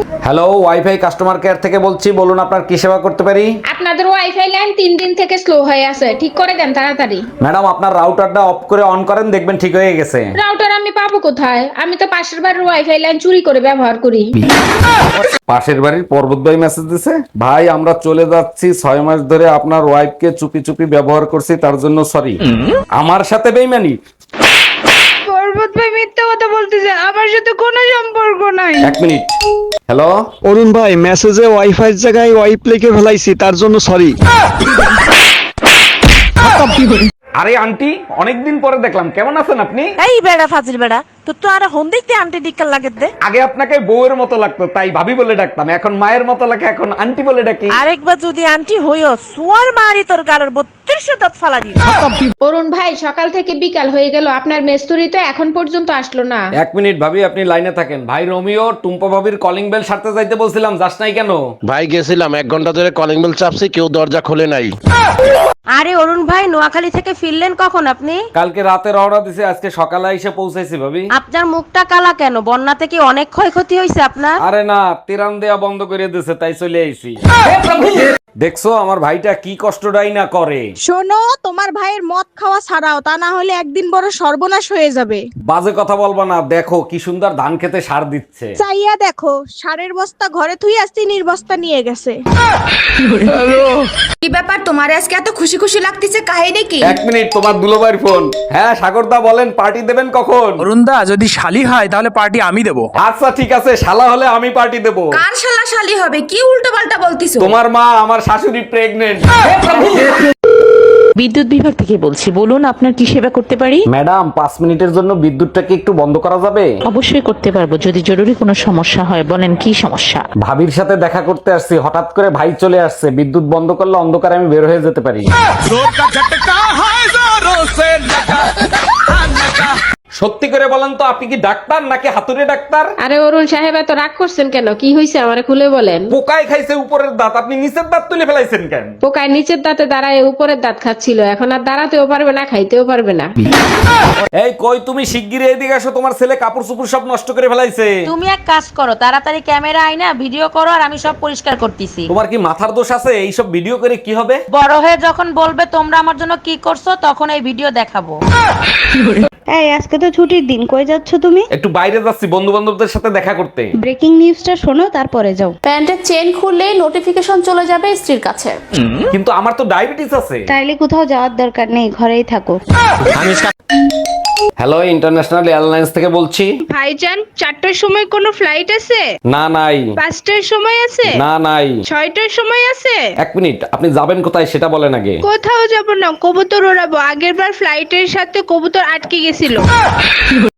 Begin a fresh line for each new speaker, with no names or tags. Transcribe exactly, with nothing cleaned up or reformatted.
Hello, wifi customer care থেকে বলছি, বলুন আপনার কি সেবা করতে পারি।
আপনাদের ওয়াইফাই লাইন তিন দিন থেকে স্লো হয়ে আছে, ঠিক করে দেন তাড়াতাড়ি।
ম্যাডাম, আপনার রাউটারটা অফ করে অন করেন, দেখবেন ঠিক হয়ে গেছে।
রাউটার আমি পাবো কোথায়? আমি তো পাশের বাড়ির ওয়াইফাই লাইন চুরি করে ব্যবহার করি।
পাশের বাড়ির পর্বত ভাই মেসেজ দিছে, ভাই আমরা চলে যাচ্ছি, ছয় মাস ধরে আপনার ওয়াইফকে চুপি চুপি ব্যবহার করছি, তার জন্য সরি। আমার সাথে বেইমানি?
পর্বত ভাই মিথ্যা কথা বলতেছে, আমার সাথে কোনো সম্পর্ক নাই।
এক মিনিট। হ্যালো,
অরুণ ভাই, মেসেজে ওয়াইফাই জায়গায় ওয়াইপ লিখে ফেলাইছি, তার জন্য সরি।
আরে আন্টি, অনেকদিন পরে দেখলাম, কেমন আছেন আপনি?
এই বেড়া ফাজিল বেড়া, তোর তো আর হন দেখতে আন্টি ডিক্কার লাগে দে।
আগে আপনাকে বউয়ের মতো লাগতো, তাই ভাবি বলে ডাকতাম, এখন মায়ের মতো লাগে, এখন আন্টি বলে ডাকি।
আরেকবার যদি আন্টি হইও সোয়ার মারি তোর গালের বত্রিশশো দাঁত ফালা দিই।
অরুণ ভাই, সকাল থেকে বিকাল হয়ে গেল, আপনার মেস্তুরি তো এখন পর্যন্ত আসলো না।
এক মিনিট ভাবি, আপনি লাইনে থাকেন। ভাই রোমিও, টুম্পা ভাবির কলিং বেল সারতে যাইতে বলছিলাম, যাস নাই কেন?
ভাই গেছিলাম, এক ঘন্টা ধরে কলিং বেল চাপছি, কেউ দরজা খোলে নাই।
আরে অরুণ ভাই, নোয়াখালী থেকে ফিরলেন কখন আপনি?
কালকে রাতে রওনা দিছে, আজকে সকালে এসে পৌঁছাইছি ভাবি।
আপনার মুখটা কালা কেন? বন্যাতে কি অনেক ক্ষয়ক্ষতি হয়েছে আপনার?
আরে না, তিরান দেয়া বন্ধ করে দিছে, তাই চলে আইছি। দেখছো আমার ভাইটা কি কষ্টটাই না করে।
শোনো, তোমার ভাইয়ের মদ খাওয়া ছাড়াও, তা না হলে একদিন বড় সর্বনাশ হয়ে যাবে।
বাজে কথা বলবা না, দেখো কি সুন্দর ধান খেতে সার দিচ্ছে।
চাইয়া দেখো, সারের বস্তা ঘরে থুই আসছি, নির্বস্তা নিয়ে গেছে।
কি ব্যাপার, তোমার আজকে এত খুশি খুশি লাগতেছে, কাহিনী কি?
এক মিনিট, তোমার দুলোবাইর ফোন। হ্যাঁ সাগরদা, বলেন পার্টি দেবেন কখন?
অরুণদা, যদি শালি হয় তাহলে পার্টি আমি দেবো।
আচ্ছা ঠিক আছে, শালা হলে আমি পার্টি দেব।
কার শালা শালি হবে? কি উল্টো পাল্টা বলতিছো?
তোমার মা, আমার শাশুড়ি প্রেগনেন্ট।
বিদ্যুৎ বিভাগ থেকে বলছি, বলুন আপনার কি সেবা করতে পারি।
ম্যাডাম, পাঁচ মিনিটের জন্য বিদ্যুৎটাকে একটু বন্ধ করা যাবে?
অবশ্যই করতে পারবো, যদি জরুরি কোনো সমস্যা হয় বলেন কি সমস্যা।
ভাবির সাথে দেখা করতে আসছি, হঠাৎ করে ভাই চলে আসছে, বিদ্যুৎ বন্ধ করলে অন্ধকারে আমি বের হয়ে যেতে পারি। সত্যি করে বলেন তো, আপনি কি ডাক্তার নাকি হাতুড়ে ডাক্তার?
আরে অরুণ সাহেব, এত রাগ করছেন কেন? কি হয়েছে আমারে খুলে বলেন।
পোকায় খাইছে উপরের দাঁত, আপনি নিচের দাঁত তুলে ফেলাইছেন কেন?
পোকায় নিচের দাঁতে দাঁড়ায় উপরের দাঁত খাচ্ছিল, এখন আর দাঁড়াতেও পারবে না, খাইতেও পারবে না।
এই কই তুমি, শিগগিরই এদিকে আসো, তোমার ছেলে কাপড় চোপড় সব নষ্ট করে ফেলাইছে।
তুমি এক কাজ করো, তাড়াতাড়ি ক্যামেরা আইনা ভিডিও করো, আর আমি সব পরিষ্কার করতেছি।
তোমার কি মাথার দোষ আছে? এইসব ভিডিও করে কি হবে?
বড় হয়ে যখন বলবে তোমরা আমার জন্য কি করছো, তখন এই ভিডিও দেখাবো।
এই, আজকে তো ছুটির দিন, কই যাচ্ছ তুমি?
একটু বাইরে যাচ্ছি, বন্ধু বান্ধবদের সাথে দেখা করতে।
ব্রেকিং নিউজটা শোনো, তারপরে যাও।
প্যান্টের চেন খুললে নোটিফিকেশন চলে যাবে স্ত্রীর কাছে।
কিন্তু আমার তো ডায়াবেটিস আছে।
তাইলে কোথাও যাওয়ার দরকার নেই, ঘরেই থাকো।
হ্যালো, ইন্টারন্যাশনাল এয়ারলাইন্স থেকে বলছি।
ভাইজান, চারটার সময় কোনো ফ্লাইট আছে?
না নাই।
পাঁচটার সময় আছে?
না নাই।
ছয়টার সময় আছে?
এক মিনিট, আপনি যাবেন কোথায় সেটা বলেন আগে।
কোথাও যাব না, কবুতর ওড়াবো। আগের বার ফ্লাইটের সাথে কবুতর আটকে গেছিল।